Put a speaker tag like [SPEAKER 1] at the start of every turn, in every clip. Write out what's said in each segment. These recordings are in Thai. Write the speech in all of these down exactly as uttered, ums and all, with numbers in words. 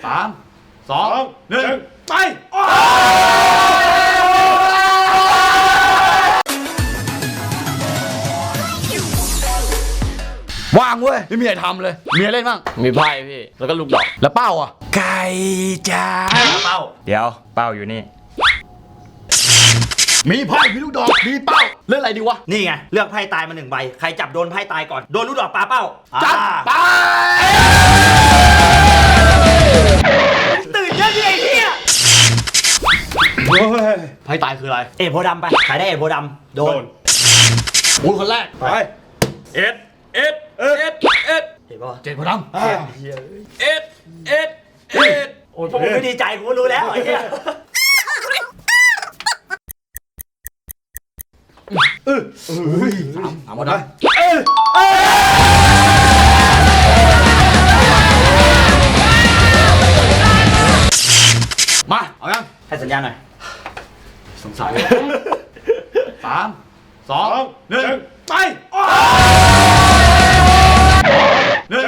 [SPEAKER 1] สามสองหนึ่งไปว่างเว้ยไม่มีอะไรทำเลยมีอะไรเล่นบ้าง
[SPEAKER 2] มีไพ่พี่แล้วก็ลูกดอก
[SPEAKER 1] แล้วเป้าอ่ะไก่จ้าเป้า
[SPEAKER 2] เดี๋ยวเป้าอยู่นี่
[SPEAKER 1] มีไพ่มีลูกดอกมีเป้าเล่นอะไรดีวะ
[SPEAKER 3] นี่ไงเลือกไพ่ตายมาหนึ่งใบใครจับโดนไพ่ตายก่อนโดนลูกดอกปลาเป้า
[SPEAKER 1] จัดไป
[SPEAKER 3] ตื่นเยอะที่ไอ้เหี้ย
[SPEAKER 1] ไพ่ตายคืออะไร
[SPEAKER 3] เอ็ดโพดำไปใครได้เอ็ดโพดำโดน
[SPEAKER 1] อุ้ยคนแรก
[SPEAKER 2] ไปเอ็ดเอ็ดเอ็ดเอ็ด
[SPEAKER 3] เห็นป่ะ
[SPEAKER 1] เจ็ดโพดำ
[SPEAKER 2] เอ็ดเอ็ดเอ็ดเอ็ด
[SPEAKER 3] โอ้ยผมไม่ดีใจกูรู้แล้วไอ้เหี้ย
[SPEAKER 1] เออเฮ้ยสามสามโพดำมาเอายัง
[SPEAKER 3] ให้สัญญาณหน่อย
[SPEAKER 1] สงสัยสามสองหนึ่งไปหนึ่ง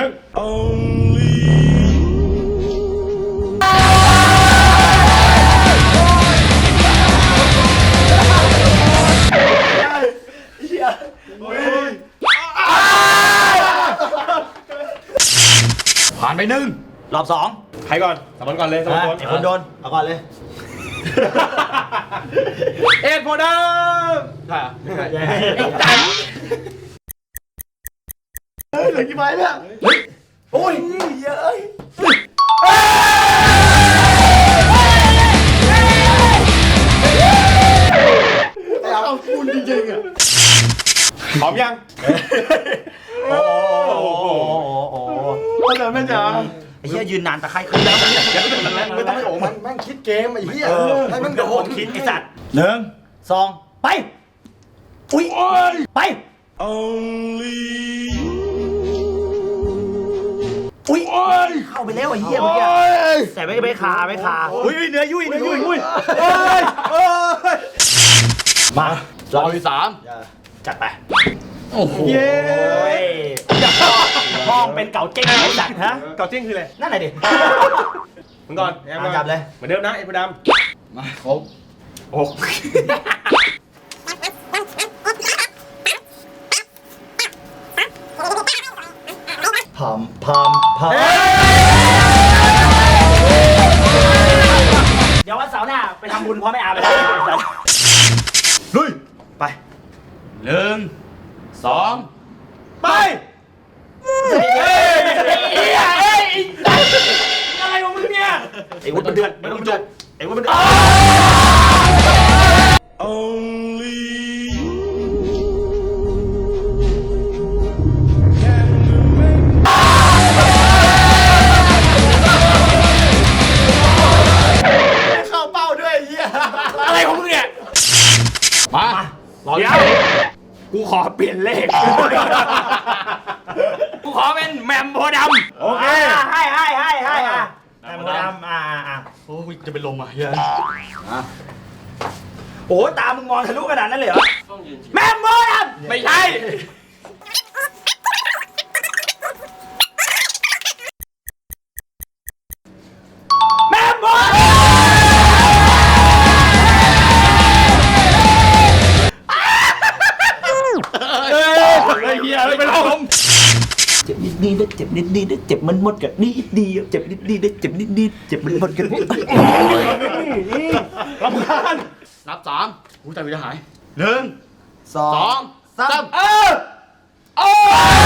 [SPEAKER 1] ผ่านไปหนึ่ง
[SPEAKER 3] รอบสอง
[SPEAKER 2] ใครก่อนสมอนก่อนเลยสมอนก่อน
[SPEAKER 3] ไอ้คนโดนเอาก่อนเลย
[SPEAKER 2] เอ็ดโพดำใช่ไม่ใช่ไอ้จัน
[SPEAKER 1] เฮ้ยเหลือกี่ใบเนี่ย
[SPEAKER 3] โอ้ยเยอะ
[SPEAKER 1] เอาคุณจริงๆอ่ะ
[SPEAKER 2] พร้อมยัง
[SPEAKER 3] โอ้โหโอ้โห
[SPEAKER 1] โอ้โหแม่จ๋า
[SPEAKER 3] ไอ้เหี้ยยืนนานตะไคร้ขึ้นแล้ว
[SPEAKER 1] ไม่ต้องให้โอ้มันแม่งคิดเกมไอ้เหี้ยให้มันโดน
[SPEAKER 3] คิดไอ้สัตว์หนึ่งสองไปอุ้ยไปอุ้ยเข้าไปแล้วไอ้เหี้ยเมื่อกี้แต่ไม่ไม่คาไม่คาอุ้ยเนื้อยุ่ยเนื้อยุ่ยมาร
[SPEAKER 1] อบที่สาม
[SPEAKER 3] จัดไป
[SPEAKER 1] โอ้โห
[SPEAKER 3] เย้ห้องเป็นเก่าเจ๊งไอ้สัตว์ฮะ
[SPEAKER 2] เก่าเจ๊งคืออะไร
[SPEAKER 3] นั่นไหนดิ
[SPEAKER 2] มึงก่อน
[SPEAKER 3] จับเลย
[SPEAKER 2] เหมือนเดิมนะไอ้พด
[SPEAKER 1] ำมาครบ
[SPEAKER 2] โอ้
[SPEAKER 3] พามพามพามเดี๋ยววันเสาร์หน้าไปทำบุญพ่อแม่อาไปแล้ว
[SPEAKER 1] ลุย
[SPEAKER 3] ไป
[SPEAKER 1] หนึ่งสองไป
[SPEAKER 3] เฮ้ยเฮ้ยอะไรของมึงเนี่ยไอ้วุ้นมันเดือดไม่ต้องจุกไอ้วุ้นมันเดือด
[SPEAKER 1] เข้าเป้าด้วยเฮีย
[SPEAKER 3] อะไรของมึงเนี่ย
[SPEAKER 1] มา
[SPEAKER 3] เดี๋ยวกูขอเปลี่ยนเลขกูขอเป็นแมมโพดำ
[SPEAKER 2] โอเค
[SPEAKER 3] ให้ให้ให้ให้อ่ะแมมโพดำอ่าอ่ะ
[SPEAKER 1] โอ้ยจะเป็นลมอ่ะเฮีย
[SPEAKER 3] โอ้ตามึงมองทะลุขนาดนั้นเลยเหรอแมมโพดำไม่ใช่แมมโพดำ
[SPEAKER 1] เฮียไม่เป็นลม
[SPEAKER 3] เจ็บนิดนิดเจ็บนิดนิดเจ็บมันหมดกับนิดเดียวเจ็บนิดนิดเจ็บนิดนิดเจ็บมันหมดกัน
[SPEAKER 1] รำคาญนับสามกูใจวิจะหายหนึ่งสองสามเออโอ้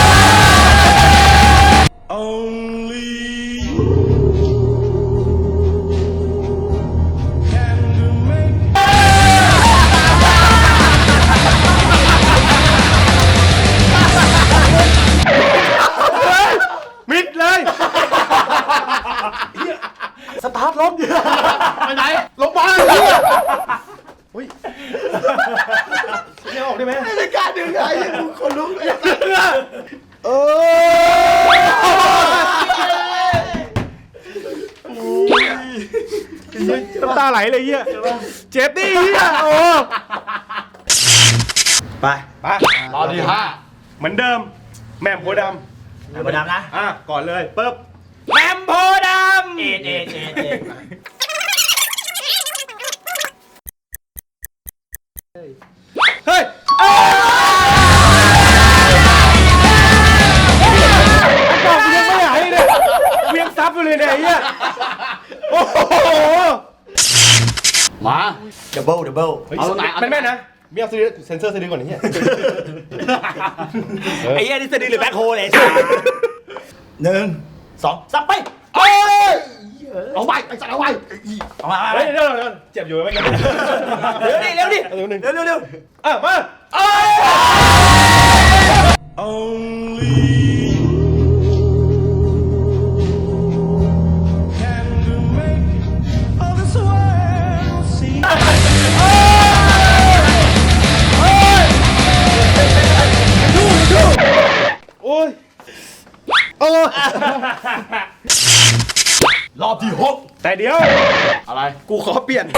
[SPEAKER 2] มิดเลย
[SPEAKER 1] สตาร์ทรถไปไหนลงมาเฮ้ย
[SPEAKER 2] เนี่ยออกได้ไหม
[SPEAKER 1] ไม่กล้าดึงไอ้กูคนลุกเลยเอ
[SPEAKER 2] อน้ำตาไหลเลยเฮียเจ็บดิเฮียโอ้
[SPEAKER 3] ไป
[SPEAKER 2] ไป
[SPEAKER 1] ตอนที่ห้า
[SPEAKER 2] เหมือนเดิมแม่มโพดำ
[SPEAKER 3] แมมโพดำนะ
[SPEAKER 2] อ่ะก่อนเลยปึ๊บ
[SPEAKER 3] แมมโพดำเอ็ดเอ็ด
[SPEAKER 2] เฮ้ยกล่องยังไม่หายเลยเวียงซับอยู่เลยเนี่ยไอ้เหี้ยโอ้โห
[SPEAKER 1] มา
[SPEAKER 3] ดับเบิลดับเบิล
[SPEAKER 1] เอาตรงไหนเอาตรงไหน
[SPEAKER 2] แม่นๆนะมีเอาเซนเซอร์สะดือก่อนไอ้เหี้ย
[SPEAKER 3] ไอ้เหี้ยนี่สะดือหรือแบ็คโฮเลยหนึ่งสองสามไป
[SPEAKER 1] เอ้ยเอาไปไอ้สัตว์เอาไป
[SPEAKER 3] เอามา
[SPEAKER 2] เฮ้ยเดี๋ยวเดี๋ยวเจ็บอยู่ไหมกัน
[SPEAKER 3] เร็วดิเร็วดิ
[SPEAKER 2] เร็วหนึ่ง
[SPEAKER 3] เร็วเร็วเร็ว
[SPEAKER 2] อ่ะมา โอ้ยโอ้
[SPEAKER 1] รอบที่หก
[SPEAKER 2] แต่เดี๋ยว
[SPEAKER 1] อะไร
[SPEAKER 2] กูขอเปลี่ยน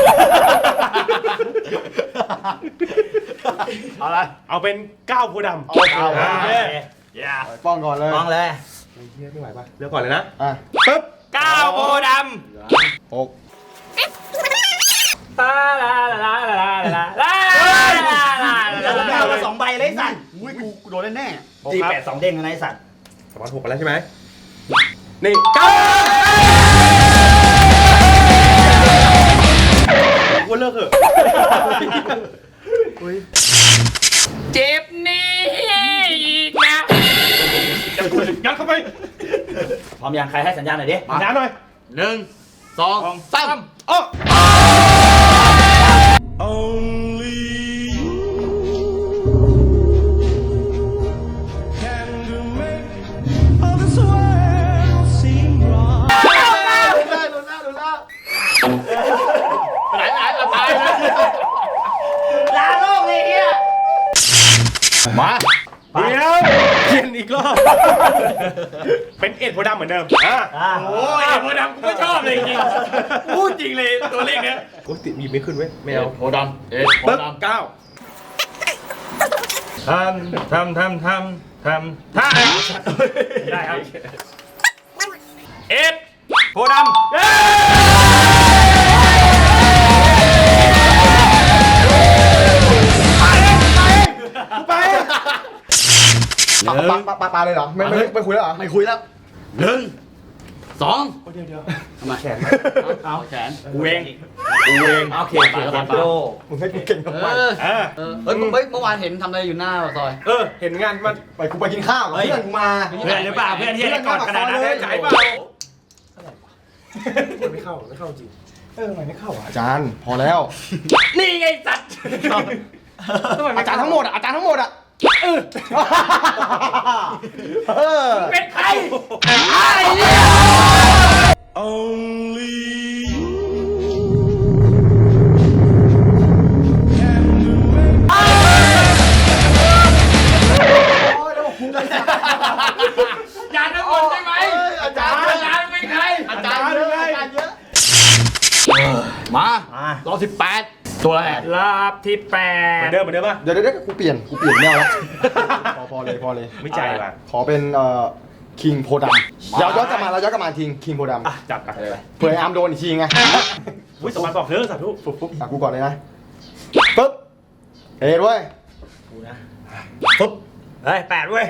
[SPEAKER 1] อะไร
[SPEAKER 2] เอาเป็นก้าวโพธิ์ดำ
[SPEAKER 1] เอาเก้า
[SPEAKER 2] อ่า
[SPEAKER 3] อย่า
[SPEAKER 2] ป้องก่อนเลย
[SPEAKER 3] มองเลย
[SPEAKER 2] เฮียไม่ไหวป่ะเลือกก่อนเลยนะ
[SPEAKER 1] อ่ะ
[SPEAKER 2] ปึ๊บ
[SPEAKER 3] ก้าวโพธิ์ด
[SPEAKER 2] หก
[SPEAKER 3] ำลาลาลาลาลาลาลาลาลาสองใบเลยสัตว์
[SPEAKER 1] อุ้ยกูกูโดนแน่
[SPEAKER 3] จีแปดสองเด้งอะไรสัตว์
[SPEAKER 2] สมอนหกกันแล้วใช่ไหมนี่ก้าวกูเลิกเถอะ
[SPEAKER 3] เจ็บนี่อีกนะ
[SPEAKER 2] ยัดเข้าไป
[SPEAKER 3] พร้อมยังใครให้สัญญาณหน่อยดิ
[SPEAKER 2] สัญญาณหน่อย
[SPEAKER 1] หนึ่งสองสาม
[SPEAKER 2] อ้อ
[SPEAKER 1] ไปไหนไปไหนเอาตายนะ
[SPEAKER 3] ลาโลกเลยเฮีย
[SPEAKER 1] มา
[SPEAKER 2] เดี๋ยวเปลี่ยนอีกรอบ เป็นเอ็ดโพธิ์ดำเหมือนเดิมอ่ะ
[SPEAKER 3] โอ้ยโพดำกูไม่ชอบเลยจริงพูดจริงเลยตัวเลขเนี้ย
[SPEAKER 2] โอ้ยติดมีไม่ขึ้นเว้ยไม่
[SPEAKER 1] เอ็
[SPEAKER 2] เอา
[SPEAKER 1] ดโพธิ์ดำเอ็ดโพ
[SPEAKER 2] ปึ๊บ
[SPEAKER 1] ธิ์ดำ
[SPEAKER 2] เก้าทำทำทำทำทำท่าได้ครับ
[SPEAKER 3] เอ็ดโพดำ
[SPEAKER 2] เย้ไป
[SPEAKER 1] ปาปาปาปาเลยเหรอไม่ไม่ไม่คุยแล้วเหรอไม่คุยแล้วหนึ่งสอง
[SPEAKER 2] เดี๋ยวเดี๋ยว
[SPEAKER 1] ทำไมแขนเอาแขน
[SPEAKER 3] กูเอง
[SPEAKER 2] กูเอง
[SPEAKER 3] โอเคเดี๋ยวโด
[SPEAKER 2] มึงให้กูเก่งทำไม
[SPEAKER 1] เออ
[SPEAKER 2] อ่า
[SPEAKER 1] เออเฮ้ยเฮ้ยเมื่อวานเห็นทำอะไรอยู่หน้าปากซอย
[SPEAKER 2] เออเห็นงานมัน
[SPEAKER 4] ไปกูไปกินข้าวกับเพื่อนกูมา
[SPEAKER 3] เพื่อนหรือเปล่าเพื่อนที่ได้กอดกระดาษนั้น
[SPEAKER 2] ได้
[SPEAKER 3] ได้
[SPEAKER 2] ใจ
[SPEAKER 3] ใจ
[SPEAKER 2] เป
[SPEAKER 3] เป
[SPEAKER 2] ล่า
[SPEAKER 3] ล่า
[SPEAKER 2] ไม่เข้าไม่เข้าจริง
[SPEAKER 4] เออทำไมไม่เข้าอ่ะอาจารย์พอแล้ว
[SPEAKER 3] นี่ไงสัตว์
[SPEAKER 4] อาจารย์ทั้งหมดอ่ะอาจารย์ทั้งหมดอ่ะเออเออ
[SPEAKER 3] เป็นใครไอ้เนี่ย อย่าทั้งหมดใช่ไหม
[SPEAKER 1] อาจารย์
[SPEAKER 3] อาจารย์เป็นใคร
[SPEAKER 1] อาจารย์เยอะอาจารย์เยอะมารอบสิบแปดตัวแรก
[SPEAKER 3] รอบที่แป
[SPEAKER 2] เหมื
[SPEAKER 3] ด
[SPEAKER 2] อนเดิมเหมือนเดิมป่ะ
[SPEAKER 4] เดี๋ยวเดี๋ยวกูเปลี่ยนกูเปลี่ยนแนวแล้วพอพอเลยพอเลย
[SPEAKER 2] ไม่ใจว่ะ
[SPEAKER 4] ขอเป็นเอ่อคิงโพดำเราย้อนกลับมาเราย้อนกลับมาทิ้งคิงโพด
[SPEAKER 2] อ่ะจับกันเลย
[SPEAKER 4] ำเผื่อไอ้อาร์มโดนอีกทีไง
[SPEAKER 2] อุ้ยสมานบอกเถอะสาธุ
[SPEAKER 4] ปุ๊บปุ๊บอ่ะกูก่อนเลยนะปุ๊บเฮ้ยด้วย
[SPEAKER 3] ปุ๊บเฮ้ยแปดเว้ย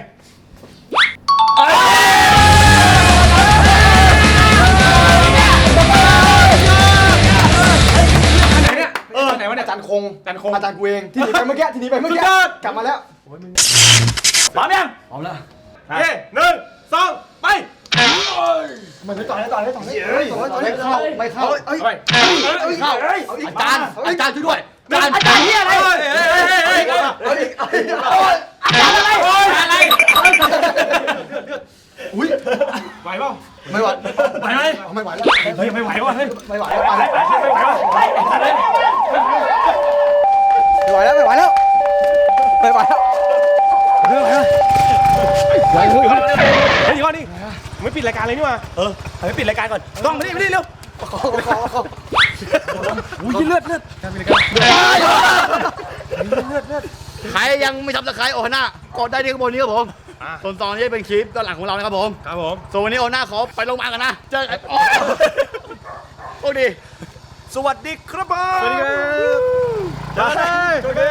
[SPEAKER 2] ไหนเนี่ย
[SPEAKER 4] เออไหนวะเนี่ยอาจารย์คง
[SPEAKER 2] อาจารย์คง
[SPEAKER 4] อาจารย์กูเองที่หนีไปเมื่อกี้ที่หนีไปเมื่อกี้
[SPEAKER 2] สุดยอด
[SPEAKER 4] กลับมาแล้ว
[SPEAKER 3] พร้อมยัง
[SPEAKER 1] พร้อมแล้ว
[SPEAKER 2] เฮ้ยหนึ่งสองไป
[SPEAKER 4] มันไม่ต่อยแล้วต่อยแล้วต่อยแล้วต่อยแล้วต่อยแล้วไม่เข้าไม่เข้าเอ้ย
[SPEAKER 2] ไป
[SPEAKER 1] เข้าอาจารย์อาจารย์ช่วยด้วยอาจารย์
[SPEAKER 3] อาจารย์เฮียอะไร
[SPEAKER 2] เฮ้ยเฮ้ยเฮ้ยเฮ้ย
[SPEAKER 4] เอาอีกเอาอีก
[SPEAKER 3] อาจารย์อะไรอะไร
[SPEAKER 4] อุ้ย
[SPEAKER 2] ไหวเปล่า
[SPEAKER 4] ไม่ไหว
[SPEAKER 3] ไหวไหม
[SPEAKER 4] ไม่ไหวแล้ว
[SPEAKER 2] เฮ้ยไม่ไหวว่ะเฮ้ย
[SPEAKER 4] ไม่ไหวแล้วไม่ไหวแล้ว
[SPEAKER 2] ไม่ไหวว่ะ
[SPEAKER 4] ไม่ไหวแล้วไม่ไหวแล้วไม่ไหวแล้วไม่ไหวแล้ว
[SPEAKER 2] เฮ้ยเดี๋ยวก่อนดิไม่ปิดรายการเลยนี่มา
[SPEAKER 3] เออไปปิดรายการก่อนต้องมาดิมาดิเร็ว
[SPEAKER 4] ขอขอขอ
[SPEAKER 3] อุ้ยเลือดเลือด
[SPEAKER 1] ใครยังไม่ทำสไครต์โอฮาน่ากดได้ที่ข้างบนนี้ครับผมส่วนตอนนี้เป็นคลิปด้านหลังของเรานะครับผม
[SPEAKER 2] ครับผม
[SPEAKER 1] ส่วนวันนี้โอฮาน่าขอไปโรงพยาบาลกันนะเจอกันดี
[SPEAKER 3] สวัสดีครับผม
[SPEAKER 2] สวัสดีครับ
[SPEAKER 3] จ้าเลย